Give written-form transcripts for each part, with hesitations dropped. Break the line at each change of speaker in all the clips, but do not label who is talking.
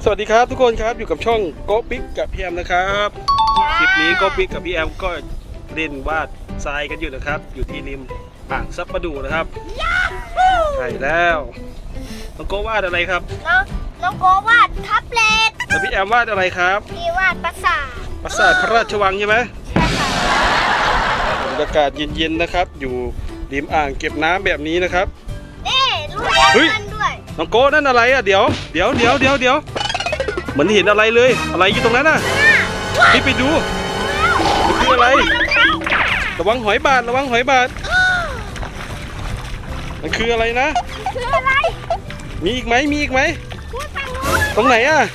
วัสดีครับทุกคนครับอยู่กับช่องโกปิ๊กกับพี่แอมนะครับคลิปนี้โกปิ๊กกับพี่แอมก็เล่นวาดทรายกันอยู่นะครับอยู่ที่ริมอ่างซับประดูนะครับใช่แล้วน้องโกวาดอะไรครับ
น้องโกวาดแท็บเล็ต
แล้วพี่แอมวาดอะไรครับ
พี่วาดปราสาท
พระราชวังใช่ไหม
ใช่ค่ะ
บรรยากาศเย็นๆนะครับอยู่ริมอ่างเก็บน้ำแบบนี้นะครับ
นี่ลูกเล่นด้วย
น้องโกนั่นอะไรอ่ะเดี๋ยวเหมือนเห็นอะไรเลยอะไรอยู่ตรงนั้นน่ะนี่ไปดูมันคืออะไรระวังหอยบาดมันคืออะไรนะ
คืออะไร
มีอีกไหมตรงไหนอ่ะ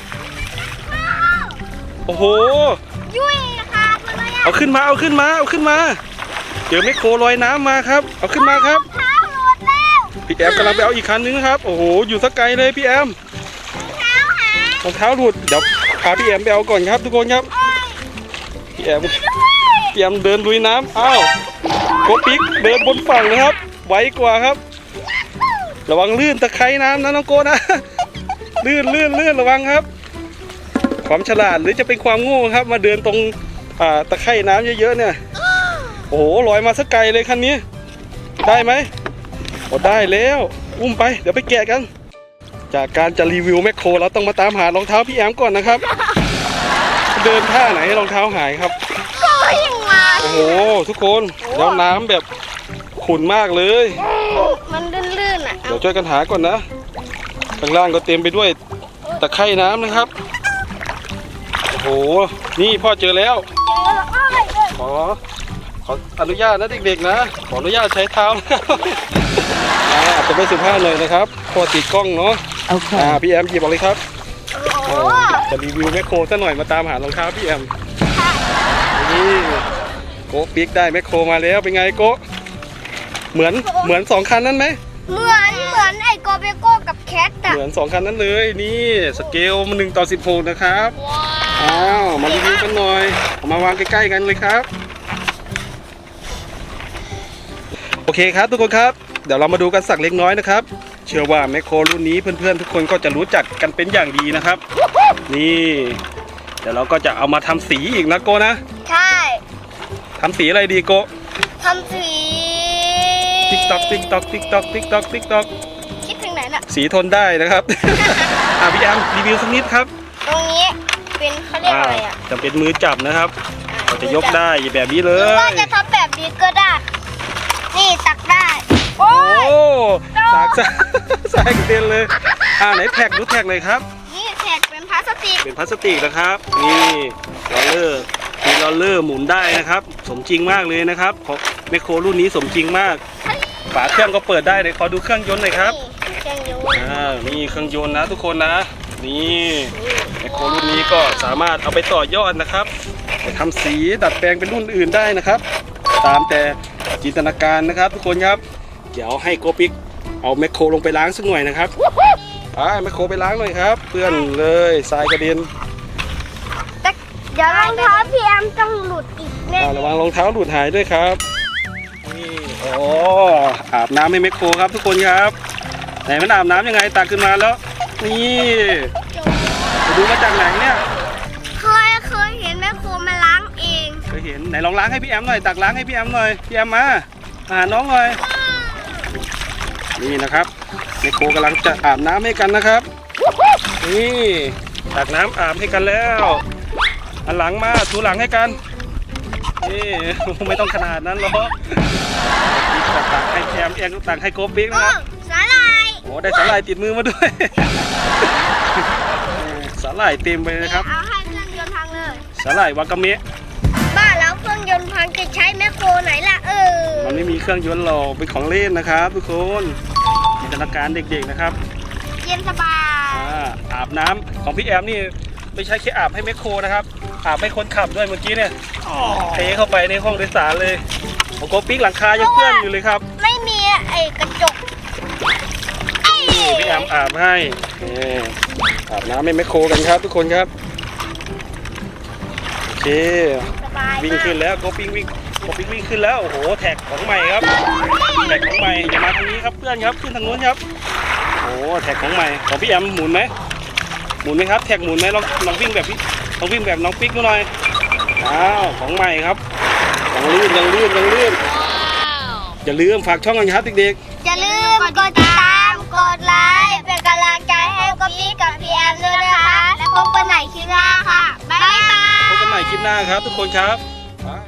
โอ้โห
ยุ่ยค่ะเลย
เอาขึ้นมาเจอแมคโครลอยน้ำมาครับเอาขึ้นมาครับ
เท้าหลุดแล้ว
พี่แอมกำลังไปเอาอีกคันนึงครับโอ้โหอยู่สักไกลเลยพี่แอมรองเท้าหลุดเดี๋ยวพาพี่แอมไปเอาก่อนครับทุกคนครับพี่แอมเดินลุยน้ำอ้าวโกปิ๊กเดินบนฝั่งนะครับไวกว่าครับระวังลื่นตะไคร่น้ำนะน้องโกนะลื่นระวังครับความฉลาดหรือจะเป็นความโง่ครับมาเดินตรงตะไคร่น้ำเยอะๆเนี่ยโอ้โหลอยมาสักไกลเลยคันนี้ได้ไหมโอ้ได้แล้วอุ้มไปเดี๋ยวไปแกะกันจากการจะรีวิวแมคโครเราต้องมาตามหารองเท้าพี่แอมก่อนนะครับเดินท่าไหนรองเท้าหายครับโอ้โหทุกคนแล้วน้ำแบบขุ่นมากเลย
มันลื่นๆอ่ะ
เดี๋ยวช่วยกันหาก่อนนะข้างล่างก็เต็มไปด้วยตะไคร่น้ำนะครับโอ้โหนี่พ่อเจอแล้วขออนุญาตนะเด็กๆนะขออนุญาตใช้เท้าอาจจะไม่สุภาพเลยนะครับพ่อติดกล้องเนาะพี่แอมหยิบออกเลยครับจะรีวิวแมคโครซะหน่อยมาตามหารองเท้าพี่แอมนี่โกปิ๊กได้แมคโครมาแล้วเป็นไงโกเหมือนสองคันนั้นไหม
เหมือนไอโกเบโก้กับแคทอะ
เหมือนสองคันนั้นเลยนี่สเกลมัน1:16นะครับอ้าวมารีวิวกันหน่อยเอามาวางใกล้ๆกันเลยครับโอเคครับทุกคนครับเดี๋ยวเรามาดูกันสักเล็กน้อยนะครับเชื่อว่าแมคโครรุ่นนี้เพื่อนๆทุกคนก็จะรู้จักกันเป็นอย่างดีนะครับนี่เดี๋ยวเราก็จะเอามาทำสีอีกนะโกนะ
ใช่
ทำสีอะไรดีโก
ทำสี
ติ๊กต๊อกคิด
ถึงไหนน่ะ
สีทนได้นะครับพี่แอมรีวิวสักนิดครับ
ตรงนี้เป็นเขาเรียกอะไรอ่ะ
จะเป็นมือจับนะครับเราจะยกได้แบบนี้เลย
หรือว่าจะทำแบบนี้ก็ได้นี่ตักได้โอ้
สากกระเด็นเลยไหนแท็กดูแท็กเลยครับ
นี่แท็กเป็นพลาสติก
นะครับนี่ลอเลอร์หมุนได้นะครับสมจริงมากเลยนะครับของแมคโครรุ่นนี้สมจริงมากฝาเครื่องก็เปิดได้เลยขอดูเครื่องยนต์หน่อยครับ
เครื่องยนต์
นี่เครื่องยนต์นะทุกคนนะนี่แมคโครรุ่นนี้ก็สามารถเอาไปต่อยอดนะครับไปทำสีดัดแปลงเป็นรุ่นอื่นได้นะครับตามแต่จินตนาการนะครับทุกคนครับเดี๋ยวให้โกปิ๊กเอาแมคโครลงไปล้างสักหน่อยนะครับไปแมคโครไปล้างหน่อยครับเพื่อนเลยทรายกระเด็น
เดี๋ยวรองเท้าพี่แอมต้องหลุดอีกแน่
ระวังรองเท้าหลุดหายด้วยครับนี่อาบน้ำให้แมคโครครับทุกคนครับไหนมันอาบน้ำยังไงตักขึ้นมาแล้วนี่ไปดูมาจากไหนเนี่ย
เคยเห็นแม่โคมาล้างเอง
เคยเห็นไหนลองล้างให้พี่แอมหน่อยตักล้างให้พี่แอมหน่อยพี่แอมมาหาน้องหน่อยนี่นะครับแม่โคกำลังจะอาบน้ำให้กันนะครับนี่ตักน้ำอาบให้กันแล้วอันหลังมาถูหลังให้กันนี่ไม่ต้องขนาดนั้นหรอกตักให้แอมตักให้โกปิ๊กนะครับ
สาหร่าย
โอ้ได้สาหร่ายติดมือมาด้วยสาหร่ายเต็มไปนะครับ
เอาให้เครื่องยนต์พังเลย
สาหร่ายวากาเมะ
บ้าแล้วเครื่องยนต์พังจะใช้แมคโครไหนล่ะ
มันไม่มีเครื่องยนต์หรอกเป็นของเล่นนะครับทุกคนจินตนาการเด็กๆนะครับ
เย็นสบาย
อาบน้ำของพี่แอมนี่ไม่ใช่แค่อาบให้แมคโครนะครับอาบให้คนขับด้วยเมื่อกี้เนี่ยเทเข้าไปในห้องโดยสารเลยโกปิ๊กหลังคายังเปื้อนอยู่เลยครับ
ไม่มีไอ้กระจก
พี่แอมอาบให้อาบน้ำให้แมคโครกันครับทุกคนครับโอเควิ่งขึ้นแล้วโกปิ๊กวิ่งขึ้นแล้วโอ้โหแท็กของใหม่ครับแท็กของใหม่อย่ามาทางนี้ครับเพื่อนครับขึ้นทางโน้นครับโอ้แท็กของใหม่ของพี่แอมหมุนไหมหมุนไหมครับแท็กหมุนไหมลองวิ่งแบบพี่ลองวิ่งแบบน้องปิ๊กดูหน่อยอ้าวของใหม่ครับยังลื่นอย่าลืมฝากช่องกันครับเด็ก
อย่าลืมกดติดตามกดไลค์เป็นกำลังใจให้กับพี่กับพี่แอมด้วยนะคะและพบกันใหม่คลิปหน้าค่ะบ๊ายบาย
ๆพบกันใหม่คลิปหน้าครับทุกคนครับ